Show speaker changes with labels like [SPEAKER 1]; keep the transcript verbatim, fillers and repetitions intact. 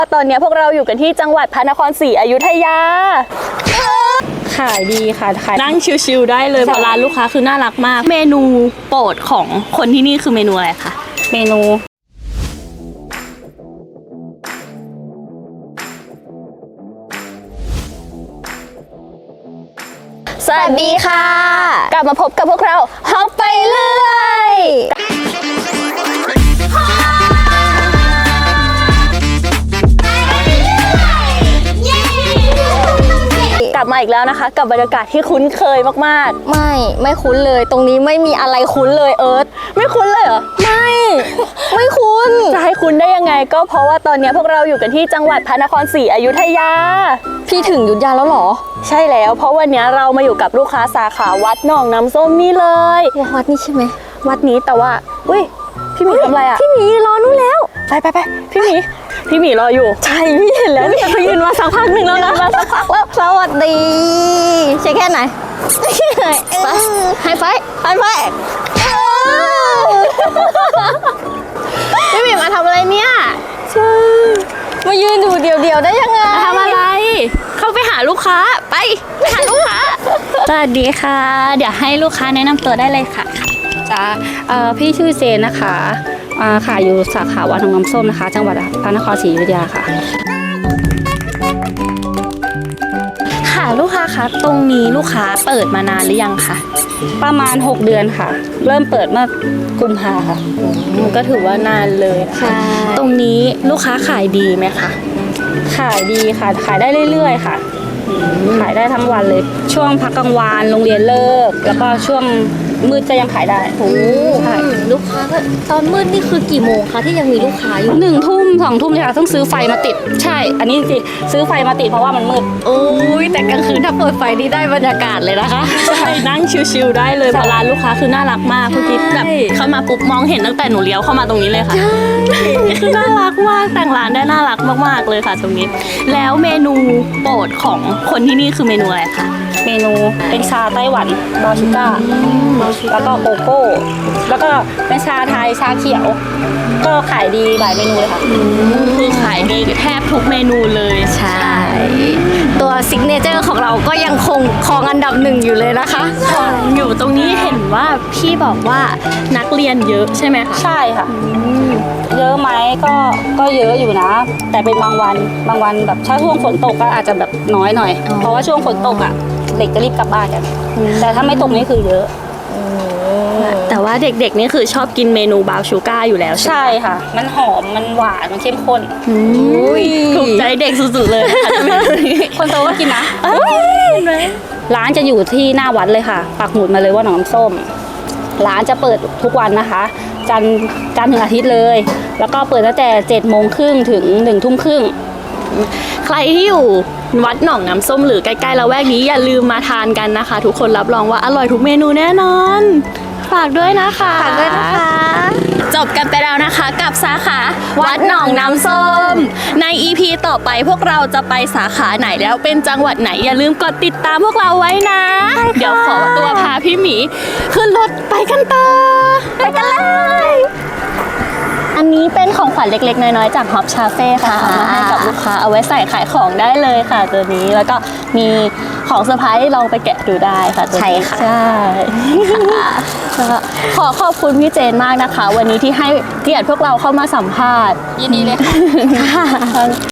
[SPEAKER 1] ตอนนี้พวกเราอยู่กันที่จังหวัดพระนครศรีอยุธยา
[SPEAKER 2] ขายดีค่ะขาย
[SPEAKER 1] นั่งชิลๆได้เลยเพราะร้านลูกค้าคือน่ารักมากเมนูโปรดของคนที่นี่คือเมนูอะไรคะ
[SPEAKER 2] เมนู
[SPEAKER 1] สวัสดีค่ะกลับมาพบกับพวกเราฮอปไปเรื่อยกลับมาอีกแล้วนะคะกับบรรยากาศที่คุ้นเคยมากๆ
[SPEAKER 3] ไม่ไม่คุ้นเลยตรงนี้ไม่มีอะไรคุ้นเลยเอิร์ธ
[SPEAKER 1] ไม่คุ้นเลยเหรอ
[SPEAKER 3] ไม่ไม่คุ้น
[SPEAKER 1] จะให้คุ้นได้ยังไงก็เพราะว่าตอนนี้พวกเราอยู่กันที่จังหวัดพระนครศรีอยุธยา
[SPEAKER 3] พี่ถึงอยุธยาแล้วเหรอ
[SPEAKER 1] ใช่แล้วเพราะวันนี้เรามาอยู่กับลูกค้าสาขาวัดหนองน้ำส้มนี่เลย
[SPEAKER 3] วัดนี้ใช่ไหม
[SPEAKER 1] วัดนี้แต่ว่าอุ้ยพี่หมีทำอะไรอ่ะ
[SPEAKER 3] พี่หมีรอนู่นแล้ว
[SPEAKER 1] ไปไปไปพี่หมีพี่หมีรออยู่
[SPEAKER 3] ใช่พี่เห็นแล้วเนี่ยเขายืนมาสักพักหนึ่งแล้วนะมาสักพักแล้วสวัสดีใช่แค่ไหนไปให้ไฟให้ไฟ
[SPEAKER 1] พี่หมีมาทำอะไรเนี่ย
[SPEAKER 3] ใช่มายืนอยู่เดียวๆได้ยังไง
[SPEAKER 1] ทำอะไรเข้าไปหาลูกค้าไปไปหาลูกค้าสวัสดีค่ะเดี๋ยวให้ลูกค้าแนะนำตัวได้เลยค่ะ
[SPEAKER 2] จ้าพี่ชื่อเจนนะคะขายอยู่สาขาวัดหนองน้ำส้มนะคะจังหวัดพระนครศรีอยุธยาค่ะ
[SPEAKER 1] ค่ะลูกค้าคะตรงนี้ลูกค้าเปิดมานานหรือยังคะ
[SPEAKER 2] ประมาณหกเดือนค่ะเริ่มเปิดเมื่อกุมภาค่ะ
[SPEAKER 1] ก็ถือว่านานเลย
[SPEAKER 3] ค่ะ
[SPEAKER 1] ตรงนี้ลูกค้าขายดีไหมคะ
[SPEAKER 2] ขายดีค่ะขายได้เรื่อยๆค่ะขายได้ทั้งวันเลยช่วงพักกลางวันโรงเรียนเลิกแล้วก็ช่วงมืดก็ยังขายได้
[SPEAKER 3] โอ้ใช่ลูกค้าตอนมืดนี่คือกี่โมงคะที่ยังมีลูกค้าอยู่
[SPEAKER 2] หนึ่งทุ่มสองทุ่มเลยค่ะต้องซื้อไฟมาติดใช่อันนี้จริงซื้อไฟมาติดเพราะว่ามันมืด
[SPEAKER 3] โอ้ยแต่กลางคืนถ้าเปิดไฟนี่ได้บรรยากาศเลยนะคะ
[SPEAKER 1] ใช่นั่งชิลๆได้เลยเพราะร้านลูกค้าคือน่ารักมากทุกทีแบบเข้ามาปุ๊บมองเห็นตั้งแต่หนูเลี้ยวเข้ามาตรงนี้เลยค่ะคือน่ารักมากแต่งร้านได้น่ารักมากๆเลยค่ะตรงนี้แล้วเมนูโปรดของคนที่นี่คือเมนูอะไรคะ
[SPEAKER 2] เมนูเป็นชาไต้หวันบราวน์ชูก้าแล้วก็โกโก้แล้วก็เป็นชาไทยชาเขียวก็ขายดีหลายเมนูเลยค่ะ
[SPEAKER 1] คือขายดีแทบทุกเมนูเลย
[SPEAKER 3] ใช่ตัวซิกเนเจอร์ของเราก็ยังคงครองอันดับหนึ่งอยู่เลยนะคะ
[SPEAKER 1] อยู่ตรงนี้เห็นว่าพี่บอกว่านักเรียนเยอะใช่ไหมคะ
[SPEAKER 2] ใช่ค่ะเยอะไหมก็ก็เยอะอยู่นะแต่เป็นบางวันบางวันแบบถ้าช่วงฝนตกก็อาจจะแบบน้อยหน่อยเพราะว่าช่วงฝนตกอ่ะเด็กจะรีบกลับบ้านกันแต่ถ้าไม่ตกนี่คือเยอะ
[SPEAKER 1] แต่ว่าเด็กๆนี่คือชอบกินเมนูบราวน์ชูก้าอยู่แล้ว
[SPEAKER 2] ใช่ค่ะมันหอมมันหวานมันเข้มข้น
[SPEAKER 1] ถูกใจเด็กสุดๆเลย
[SPEAKER 2] คนโตก็กินนะร้านจะอยู่ที่หน้าวัดเลยค่ะปักหมุดมาเลยว่าหนองน้ำส้มร้านจะเปิดทุกวันนะคะจันทร์จันทร์ถึงอาทิตย์เลยแล้วก็เปิดตั้งแต่เจ็ดโมงครึ่งถึงหนึ่งทุ่มครึ่ง
[SPEAKER 1] ใครที่อยู่วัดหนองน้ำส้มหรือใกล้ๆละแวกนี้อย่าลืมมาทานกันนะคะทุกคนรับรองว่าอร่อยทุกเมนูแน่นอนฝากด้วยนะคะ
[SPEAKER 3] ฝากด้วยนะคะ
[SPEAKER 1] จบกันไปแล้วนะคะกับสาขาวัดหนองน้ำส้มใน อี พี ต่อไปพวกเราจะไปสาขาไหนแล้วเป็นจังหวัดไหนอย่าลืมกดติดตามพวกเราไว้นะเดี๋ยวขอตัวพาพี่หมีขึ้นรถไปกันต่อ
[SPEAKER 3] ไปกันเลย
[SPEAKER 1] อันนี้เป็นของขวัญเล็กๆน้อยๆจากฮอปชาเฟ่ค่ะมาให้กับลูกค้าเอาไว้ใส่ขายของได้เลยค่ะตัวนี้แล้วก็มีของเซอร์ไพรส์ลองไปแกะดูได้ค่ะ
[SPEAKER 3] ใช่ค่ะ
[SPEAKER 1] ใช่ขอขอบคุณพี่เจนมากนะคะวันนี้ที่ให้เกียรติพวกเราเข้ามาสัมภาษณ์
[SPEAKER 3] ยินดีเลยค่ะ